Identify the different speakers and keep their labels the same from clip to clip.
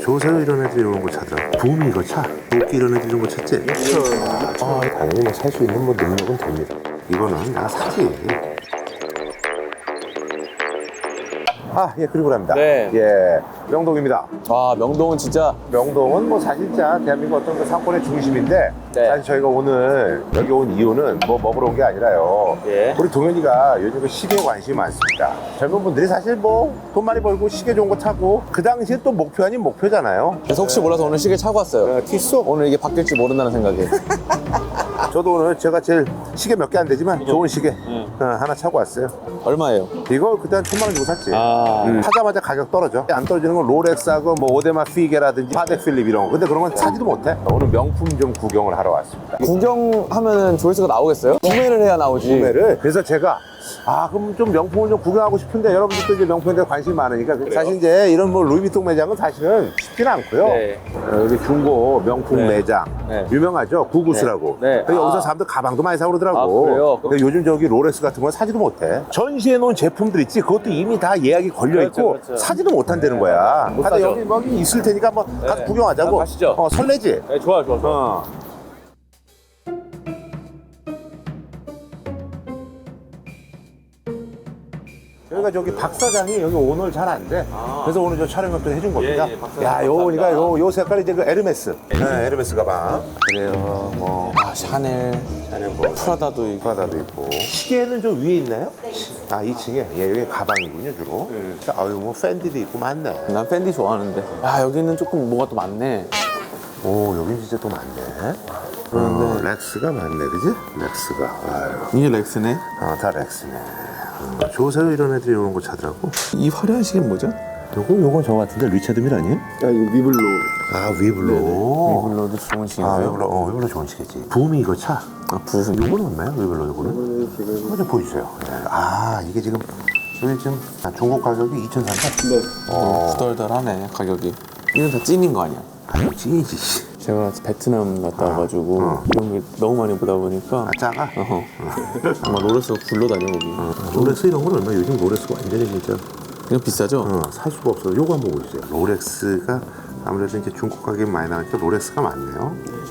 Speaker 1: 조세호 이런 애들 이런 거 찾더라. 붐이 이거 차. 도끼 이런 애들 이런 거 찾지? 당연히 뭐 살 수 있는 뭐 능력은 됩니다. 이거는 나 사지. 아, 예, 그리고 합니다.
Speaker 2: 네.
Speaker 1: 예, 명동입니다.
Speaker 2: 아, 명동은 진짜.
Speaker 1: 명동은 뭐 사실자 대한민국 어떤 그 상권의 중심인데
Speaker 2: 네.
Speaker 1: 사실 저희가 오늘 여기 온 이유는 뭐 먹으러 온 게 아니라요.
Speaker 2: 예.
Speaker 1: 우리 동현이가 요즘 그 시계에 관심이 많습니다. 젊은 분들이 사실 뭐 돈 많이 벌고 시계 좋은 거 타고 그 당시에 또 목표 아닌 목표잖아요.
Speaker 2: 그래서 혹시 몰라서 오늘 시계 차고 왔어요.
Speaker 1: 티쏘?
Speaker 2: 오늘 이게 바뀔지 모른다는 생각에.
Speaker 1: 저도 오늘 제가 제일 시계 몇 개 안 되지만 좋은 시계 하나 차고 왔어요.
Speaker 2: 얼마예요?
Speaker 1: 이거 그때 한 1,000만 원 주고 샀지.
Speaker 2: 아.
Speaker 1: 사자마자 가격 떨어져. 안 떨어지는 건 롤렉스하고 뭐 오데마 피게라든지 파덱 필립 이런 거. 근데 그런 건 사지도 못해. 오늘 명품 좀 구경을 하러 왔습니다.
Speaker 2: 구경하면은 조회수가 나오겠어요? 구매를 해야 나오지.
Speaker 1: 구매를. 그래서 제가 그럼 좀 명품을 좀 구경하고 싶은데 여러분들도 이제 명품에 대해 관심이 많으니까 사실 이제 이런 뭐 루이비통 매장은 사실은 쉽지는 않고요.
Speaker 2: 네.
Speaker 1: 여기 중고 명품
Speaker 2: 네.
Speaker 1: 매장
Speaker 2: 네.
Speaker 1: 유명하죠. 구구스라고.
Speaker 2: 네. 네.
Speaker 1: 그래서 여기서 사람들 가방도 많이 사고 그러더라고.
Speaker 2: 아, 그래요?
Speaker 1: 근데 요즘 저기 롤렉스 같은 건 사지도 못해. 전시해 놓은 제품들 있지. 그것도 이미 다 예약이 걸려 있고
Speaker 2: 그렇죠.
Speaker 1: 사지도 못한다는 거야.
Speaker 2: 못
Speaker 1: 근데
Speaker 2: 사죠.
Speaker 1: 여기 있을 테니까 한번 가서
Speaker 2: 네.
Speaker 1: 구경하자고.
Speaker 2: 가시죠.
Speaker 1: 설레지.
Speaker 2: 네, 좋아.
Speaker 1: 여기가 저기 박 사장이 여기 오늘 잘 안 돼. 그래서 오늘 저 촬영을 또 해준 겁니다.
Speaker 2: 예, 박 사장
Speaker 1: 야, 요 보니까
Speaker 2: 감사합니다.
Speaker 1: 요 색깔이 이제 그 에르메스. 네, 에르메스 가방. 그래요, 뭐.
Speaker 2: 아, 샤넬,
Speaker 1: 뭐
Speaker 2: 프라다도 있고.
Speaker 1: 프라다도 있고. 시계는 좀 위에 있나요? 2층에. 예, 여기 가방이군요, 주로. 아유, 뭐 팬디도 있고 많네.
Speaker 2: 난 팬디 좋아하는데. 아, 여기는 조금 뭐가 또 많네.
Speaker 1: 오, 여긴 진짜 또 많네.
Speaker 2: 그런데
Speaker 1: 렉스가 많네, 그지? 렉스가. 아유,
Speaker 2: 이게 렉스네.
Speaker 1: 다 렉스네. 조세호 이런 애들이 이런 거 차더라고.
Speaker 2: 이 화려한 시계는 뭐죠?
Speaker 1: 요건 저 같은데 리차드 밀 아니에요?
Speaker 3: 이거 위블로.
Speaker 1: 위블로.
Speaker 2: 이걸로도 좋은 시계인가요?
Speaker 1: 위블로 좋은 시계지. 붐이 이거 차.
Speaker 2: 부수.
Speaker 1: 요거는 없나요? 위블로 요거는?
Speaker 3: 이거는 지금
Speaker 1: 한번 좀 보여주세요. 이게 지금 여기 지금 중국 가격이 2,300.
Speaker 3: 네.
Speaker 2: 후덜덜하네, 가격이. 이건 다 찐인 거 아니야?
Speaker 1: 아유, 찐이지.
Speaker 2: 제가 베트남 갔다 와가지고 이런 게 너무 많이 보다 보니까
Speaker 1: 작아?
Speaker 2: 아마 롤렉스가 굴러다녀 거기.
Speaker 1: 롤렉스 이런 건 얼마? 요즘 롤렉스가 완전히 진짜
Speaker 2: 이거 비싸죠?
Speaker 1: 살 수가 없어. 요거 한번 보여주세요. 롤렉스가 아무래도 이제 중국 가격이 많이 나가니까 롤렉스가 많네요.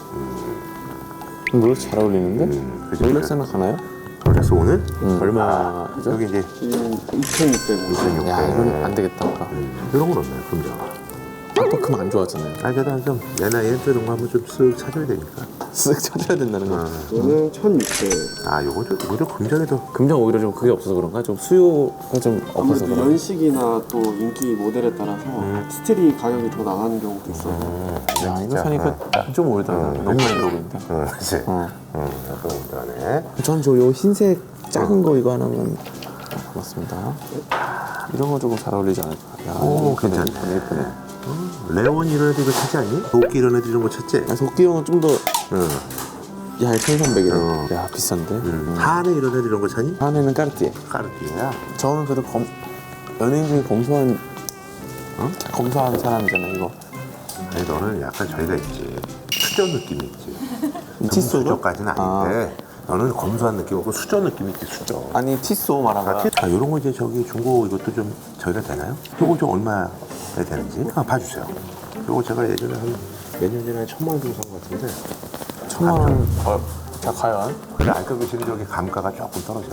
Speaker 2: 롤렉스 잘 어울리는데?
Speaker 1: 그죠?
Speaker 2: 롤렉스는 가나요?
Speaker 1: 롤렉스 오늘?
Speaker 2: 얼마죠?
Speaker 1: 여기 이제
Speaker 3: 지금 2,600원.
Speaker 2: 야, 이건 안 되겠다. 아까.
Speaker 1: 이런 건 없나요? 금자가.
Speaker 2: 아까 그만 안 좋았잖아요.
Speaker 1: 그래도 좀 내 나이에 또 이런 거 한번 좀 쓱 찾아야 되니까.
Speaker 2: 쓱 찾아야 된다는 거.
Speaker 3: 이거는 1,600원.
Speaker 1: 요거 좀 오히려 금전에 더.
Speaker 2: 금장 오히려 좀 그게 없어서 그런가? 좀 수요가 좀 없어서
Speaker 3: 아무래도
Speaker 2: 그런가?
Speaker 3: 연식이나 또 인기 모델에 따라서 스틸이 가격이 더 나가는 경우도 있어요.
Speaker 2: 야, 이거 사니까 좀 올드하다. 너무 많이 들어보인다.
Speaker 1: 그치. 약간 올드하네.
Speaker 2: 전 저 요 흰색 작은 거 이거 하나만 고맙습니다. 이런 거 조금 잘 어울리지 않을까? 야,
Speaker 1: 오,
Speaker 2: 이거
Speaker 1: 괜찮네.
Speaker 2: 예쁘네.
Speaker 1: 레온 이런 애들 이거 찾지 않니? 도끼 이런 애들 이런 거 찾지?
Speaker 2: 야, 도끼형은 좀 더,
Speaker 1: 응.
Speaker 2: 야, 1,300이네. 야, 비싼데?
Speaker 1: 하네 이런 애들 이런 거 찾니?
Speaker 2: 하나는 까르띠에.
Speaker 1: 까르띠에야.
Speaker 2: 저는 그래도 연예인 중에 검소한, 검소한 사람이잖아, 이거.
Speaker 1: 아니 너는 약간 저희가 있지. 수저 느낌이 있지.
Speaker 2: 티소로?
Speaker 1: 수저까지는 아닌데 너는 검소한 느낌 없고 수저 느낌이 있지, 수저.
Speaker 2: 아니, 티소 말한 거야.
Speaker 1: 이런 거 이제 저기 중고 이것도 좀 저희가 되나요? 이거 좀 얼마에 되는지 봐주세요. 이거 제가 예전에 한 몇 년 전에 1,000만 원 주고 산 것 같은데
Speaker 2: 1,000만 원. 자, 과연?
Speaker 1: 근데 알까기시는 저기 감가가 조금 떨어져.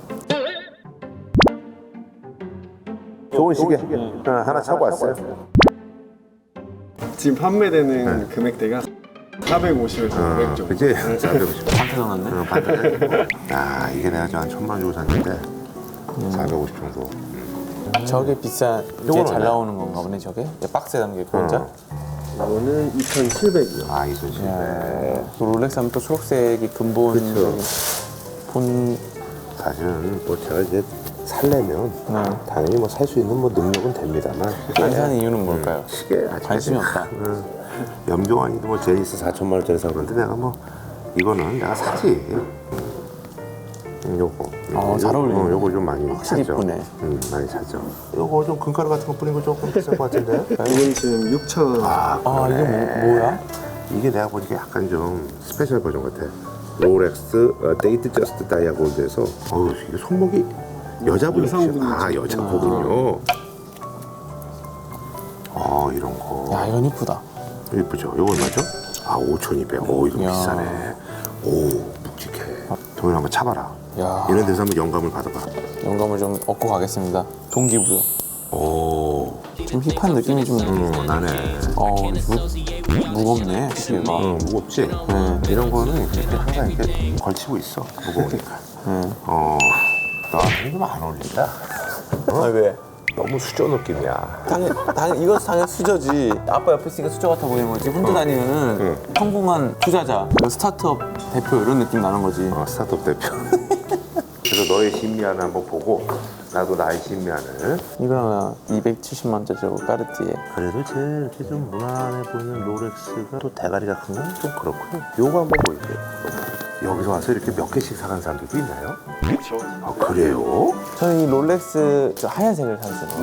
Speaker 1: 좋은 시계 하나 차고 왔어요.
Speaker 3: 지금 판매되는 금액대가 450에서 500 정도.
Speaker 1: 그치? 450.
Speaker 2: 반태 넣었네.
Speaker 1: 이게 내가 저 한 1,000만 원 주고 샀는데 450 정도.
Speaker 2: 저게 비싼, 이게
Speaker 1: 요건
Speaker 2: 잘
Speaker 1: 얼마야?
Speaker 2: 나오는 건가 보네, 저게? 박스에 담겨 있고, 혼자?
Speaker 3: 이거는 2,700이요.
Speaker 1: 2,700.
Speaker 2: 야, 또 롤렉스 하면 또 초록색이 근본.
Speaker 1: 그쵸.
Speaker 2: 본,
Speaker 1: 사실은 뭐 제가 이제 살려면 당연히 뭐 살 수 있는 뭐 능력은 됩니다만
Speaker 2: 안 사는 이유는 뭘까요?
Speaker 1: 시계 아직
Speaker 2: 관심이 없다.
Speaker 1: 염종환이도 뭐 제니스 4,000만 원짜리 사 그러는데 내가 뭐 이거는 내가 사지. 요거
Speaker 2: 잘 어울리네.
Speaker 1: 요거 좀 많이
Speaker 2: 확실히
Speaker 1: 사죠.
Speaker 2: 이쁘네.
Speaker 1: 많이 사죠. 요거 좀 금가루 같은 거 뿌린 거 조금 비싼 것 같은데.
Speaker 3: 이건 지금 6,000원.
Speaker 2: 이게 뭐야?
Speaker 1: 이게 내가 보니까 약간 좀 스페셜 버전 같아. 롤렉스 데이트 저스트 다이아골드에서 이게 손목이 여자분이시죠?
Speaker 3: 여성분이죠.
Speaker 1: 여자분이요. 이런 거.
Speaker 2: 야, 이건 이쁘다.
Speaker 1: 예쁘죠? 이거 얼마죠? 아 5,200. 오 이거
Speaker 2: 야.
Speaker 1: 비싸네. 오 묵직해. 동현 한번 차봐라.
Speaker 2: 야,
Speaker 1: 이런 데서 한번 영감을 받아봐.
Speaker 2: 영감을 좀 얻고 가겠습니다. 동기부여.
Speaker 1: 오.
Speaker 2: 좀 힙한 느낌이 좀.
Speaker 1: 나네.
Speaker 2: 무겁네 시계가.
Speaker 1: 무겁지?
Speaker 2: 네.
Speaker 1: 이런 거는 이렇게 항상 이렇게 걸치고 있어. 무거우니까. 나한테 좀 안 어울린다.
Speaker 2: 아, 왜?
Speaker 1: 너무 수저 느낌이야.
Speaker 2: 당연 이것도 당연 수저지. 아빠 옆에 있으니까 수저 같아 보이는 거지. 혼자 다니면은 성공한 투자자, 스타트업 대표 이런 느낌 나는 거지.
Speaker 1: 스타트업 대표. 그래서 너의 신미안을 한번 보고 나도 나의 신미안을.
Speaker 2: 이거랑 270만짜리 까르띠에.
Speaker 1: 그래도 제일 이렇게 좀 무난해 보이는 롤렉스가 또 대가리가 큰 건 좀 그렇고요. 요거 한번 보여주세요. 여기서 와서 이렇게 몇 개씩 사간 사람들도 있나요?
Speaker 3: 그렇죠.
Speaker 1: 아 그래요?
Speaker 2: 저는 이 롤렉스 저 하얀색을 샀어요.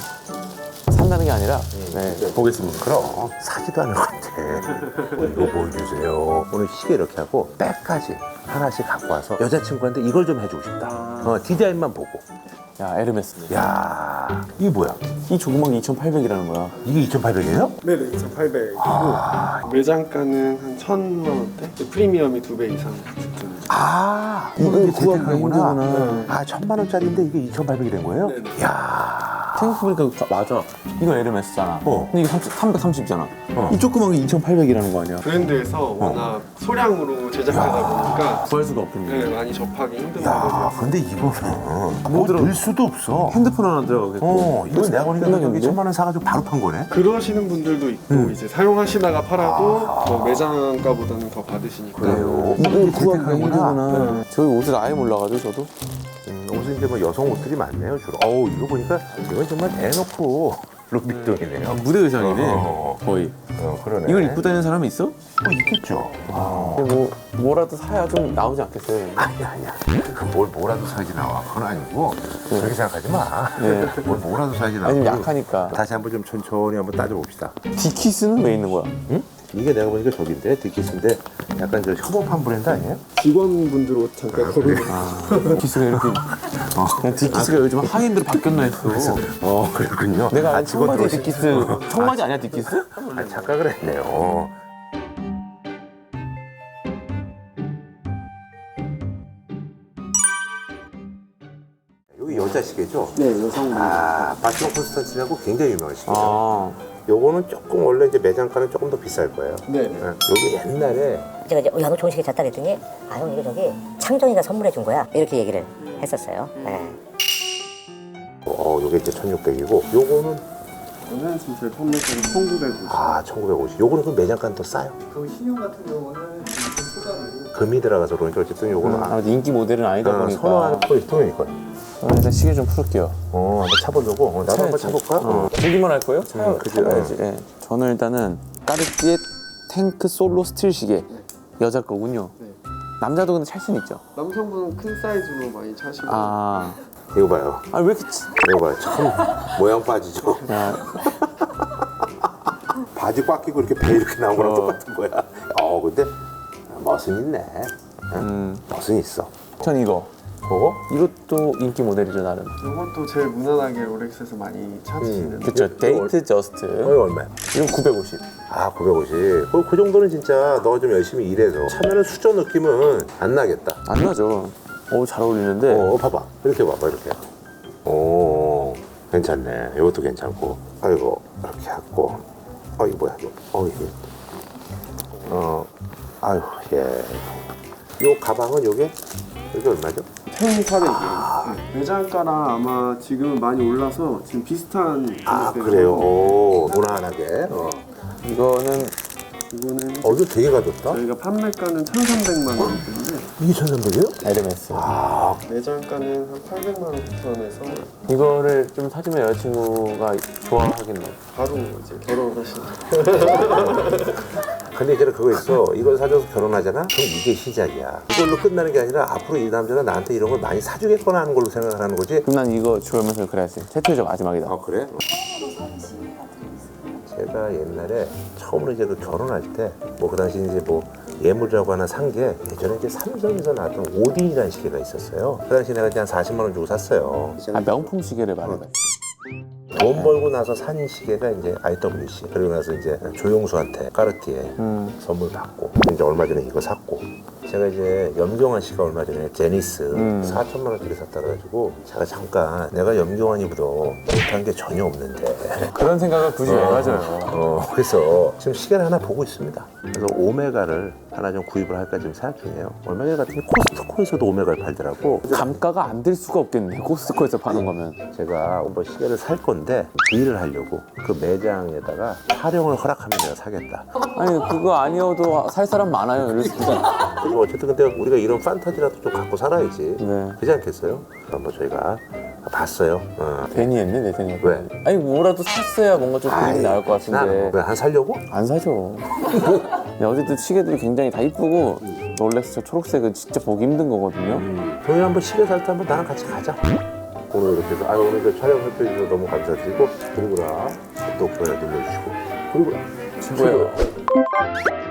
Speaker 2: 산다는 게 아니라 보겠습니다.
Speaker 1: 그럼 사지도 않을 것 같아. 이거 보여주세요. 오늘 시계 이렇게 하고 백까지 하나씩 갖고 와서 여자친구한테 이걸 좀 해주고 싶다. 디자인만 보고.
Speaker 2: 야, 에르메스네.
Speaker 1: 야 이게 뭐야?
Speaker 2: 이 조그만 게 2,800이라는 거야.
Speaker 1: 이게 2,800이에요?
Speaker 3: 네네 2,800이고 매장가는 한 1,000만 원대? 프리미엄이 2배 이상 붙은.
Speaker 1: 이걸
Speaker 2: 구하기가 힘들구나.
Speaker 1: 1,000만 원짜리인데 이게 2,800이 된 거예요?
Speaker 3: 네네.
Speaker 1: 야
Speaker 2: 생각해보니까 맞아. 이거 에르메스잖아. 근데 이게 330잖아. 이 조그만 게 2,800이라는 거 아니야?
Speaker 3: 브랜드에서 워낙 소량으로 제작하다 보니까
Speaker 2: 구할 수가 없군요.
Speaker 3: 네, 많이 접하기 힘든
Speaker 1: 야,
Speaker 3: 모델이에요.
Speaker 1: 근데 이거는 뭐 넣을 수도 없어.
Speaker 2: 핸드폰 하나 들어가겠고.
Speaker 1: 이거 내가 보니까 여기
Speaker 2: 끝나겠는데?
Speaker 1: 1,000만 원 사가지고 바로 판 거네.
Speaker 3: 그러시는 분들도 있고 이제 사용하시다가 팔아도 뭐 매장가보다는 더 받으시니까.
Speaker 1: 그래요.
Speaker 2: 이걸 구하기가
Speaker 1: 재택하는구나.
Speaker 2: 힘들구나. 저희 옷을 아예 몰라가지고 저도.
Speaker 1: 옷은 이제 뭐 여성 옷들이 많네요 주로. 이거 보니까 이건 정말 대놓고 루비통이네요.
Speaker 2: 무대 의상이네. 거의.
Speaker 1: 그러네.
Speaker 2: 이걸 입고 다니는 사람이 있어?
Speaker 1: 있겠죠.
Speaker 2: 근데 뭐라도 사야 좀 나오지 않겠어요?
Speaker 1: 아니야. 뭐라도 사야지 나와. 그건 아니고 그렇게 생각하지 마.
Speaker 2: 네.
Speaker 1: 뭐라도 사야지 나와.
Speaker 2: 아니, 좀 약하니까.
Speaker 1: 다시 한번 좀 천천히 한번 따져봅시다.
Speaker 2: 디키스는 왜 있는 거야?
Speaker 1: 응? 이게 내가 보니까 저긴데 디키스인데 약간 저 협업한 브랜드 아니에요?
Speaker 3: 직원분들 옷 잠깐 걸어놓고.
Speaker 2: 디키스가 이렇게. 그냥 디키스가 요즘 하이엔드로 바뀌었나 했어.
Speaker 1: 그렇군요.
Speaker 2: 내가 아는
Speaker 1: 직원
Speaker 2: 청바지
Speaker 1: 들어오시-
Speaker 2: 디키스. 청바지 아니야, 디키스?
Speaker 1: 착각을 했네요. 여기 여자 시계죠?
Speaker 3: 네, 여성분.
Speaker 1: 바티모 콘스탄티라고 굉장히 유명한 시계죠.
Speaker 2: 아.
Speaker 1: 요거는 조금 원래 이제 매장가는 조금 더 비쌀 거예요.
Speaker 3: 네.
Speaker 1: 여기 옛날에
Speaker 4: 제가 이제 야, 너 좋은 시계 샀다 그랬더니 형 이거 저기 창정이가 선물해 준 거야 이렇게 얘기를 했었어요. 네.
Speaker 1: 요게 이제 1,600이고 요거는
Speaker 3: 저는 지금 저희 판매가는 1,950.
Speaker 1: 1,950. 요거는 그 매장가는 더 싸요.
Speaker 3: 그 신용 같은 경우는 좀 초과를.
Speaker 1: 금이 들어가서 그러니까 어쨌든 요거는
Speaker 2: 아무래도 인기 모델은 아니다 보니까.
Speaker 1: 선호하는 포인트는 이거예요.
Speaker 2: 일단 시계 좀 풀을게요.
Speaker 1: 한번 차보려고. 나도 한번 차볼까?
Speaker 2: 보기만 할 거예요?
Speaker 1: 그치.
Speaker 2: 차봐야지. 예. 저는 일단은 까르띠에 탱크 솔로 스틸 시계. 여자 거군요.
Speaker 3: 네.
Speaker 2: 남자도 근데 찰 수는 있죠.
Speaker 3: 남성분은 큰 사이즈로 많이 차시고.
Speaker 1: 이거 봐요.
Speaker 2: 왜 이렇게
Speaker 1: 이거 봐요. 참 모양 빠지죠.
Speaker 2: 야,
Speaker 1: 바지 꽉 끼고 이렇게 배 이렇게 나온 거랑 똑같은 거야. 근데 멋은 있네. 멋은 있어.
Speaker 2: 전 이거.
Speaker 1: 그거?
Speaker 2: 이것도 인기 모델이죠, 나름.
Speaker 3: 이것도 제일 무난하게 롤렉스에서 많이 찾으시는.
Speaker 2: 그쵸. 데이트 저스트.
Speaker 1: 이거 얼마야?
Speaker 2: 이건 950.
Speaker 1: 950. 그 정도는 진짜 너가 좀 열심히 일해서 차면은 수저 느낌은 안 나겠다.
Speaker 2: 안 나죠. 잘 어울리는데.
Speaker 1: 봐봐. 이렇게 봐봐, 이렇게. 괜찮네. 이것도 괜찮고. 아이고, 이렇게 하고. 이거 뭐야, 이거. 이게. 아유, 예. 요 가방은 요게 얼마죠?
Speaker 3: 1,400이에요. 매장가랑 아마 지금은 많이 올라서 지금 비슷한 금액대로.
Speaker 1: 그래요. 무난하게.
Speaker 2: 이거는
Speaker 3: 이거는
Speaker 1: 이거 되게 가볍다.
Speaker 3: 저희가 판매가는 1,300만 원인데
Speaker 1: 이게 1,300이에요?
Speaker 2: 에르메스.
Speaker 3: 매장가는 한 800만 원 선에서
Speaker 2: 이거를 좀 사주면 여자친구가 좋아하겠네.
Speaker 3: 바로 이제 결혼을 하시는.
Speaker 1: 근데 이제 그거 있어. 이걸 사줘서 결혼하잖아? 그럼 이게 시작이야. 이걸로 끝나는 게 아니라 앞으로 이 남자가 나한테 이런 걸 많이 사주겠거나 하는 걸로 생각을 하는 거지?
Speaker 2: 그럼 난 이거 주면서 그래야지. 최초적 마지막이다.
Speaker 1: 그래? 제가 옛날에 처음으로 이제 그 결혼할 때 뭐 그 당시 이제 뭐 예물이라고 하나 산 게 예전에 이제 삼성에서 나왔던 오딘이라는 시계가 있었어요. 그 당시 내가 그냥 40만 원 주고 샀어요.
Speaker 2: 명품 시계를 말해봐.
Speaker 1: 돈 벌고 나서 산 시계가 이제 IWC. 그리고 나서 이제 조용수한테 까르띠에 선물 받고 이제 얼마 전에 이거 샀고. 제가 이제 염경환 씨가 얼마 전에 제니스 4천만 원짜리 샀다 그래가지고 제가 잠깐 내가 염경환이보다 못한 게 전혀 없는데
Speaker 2: 그런 생각을 굳이 왜 가져요?
Speaker 1: 그래서 지금 시계를 하나 보고 있습니다. 그래서 오메가를 하나 좀 구입을 할까 지금 생각 중이에요. 얼마 전에 같은 게 코스트코에서도 오메가를 팔더라고.
Speaker 2: 감가가 안 될 수가 없겠네. 코스트코에서 파는 거면.
Speaker 1: 제가 한번 시계를 살 건데 딜을 하려고 그 매장에다가 촬영을 허락하면 내가 사겠다.
Speaker 2: 아니 그거 아니어도 살 사람 많아요. 이랬습니다.
Speaker 1: 그리고 어쨌든 근데 우리가 이런 판타지라도 좀 갖고 살아야지.
Speaker 2: 네.
Speaker 1: 그렇지 않겠어요? 한번 저희가 봤어요.
Speaker 2: 괜히 했네 내 생각에.
Speaker 1: 왜?
Speaker 2: 아니 뭐라도 샀어야 뭔가 좀 그림이 나올 것 같은데.
Speaker 1: 왜안 살려고?
Speaker 2: 안 사죠. 근데 어쨌든 시계들이 굉장히 다 이쁘고 롤렉스 저 초록색은 진짜 보기 힘든 거거든요.
Speaker 1: 저희 한번 시계 살 때 한번 나랑 같이 가자. 오늘 이렇게 해서 오늘 그 촬영 협조해주셔서 너무 감사드리고 그리고나 또 좋아요 눌러주시고 그리고
Speaker 2: 친구야.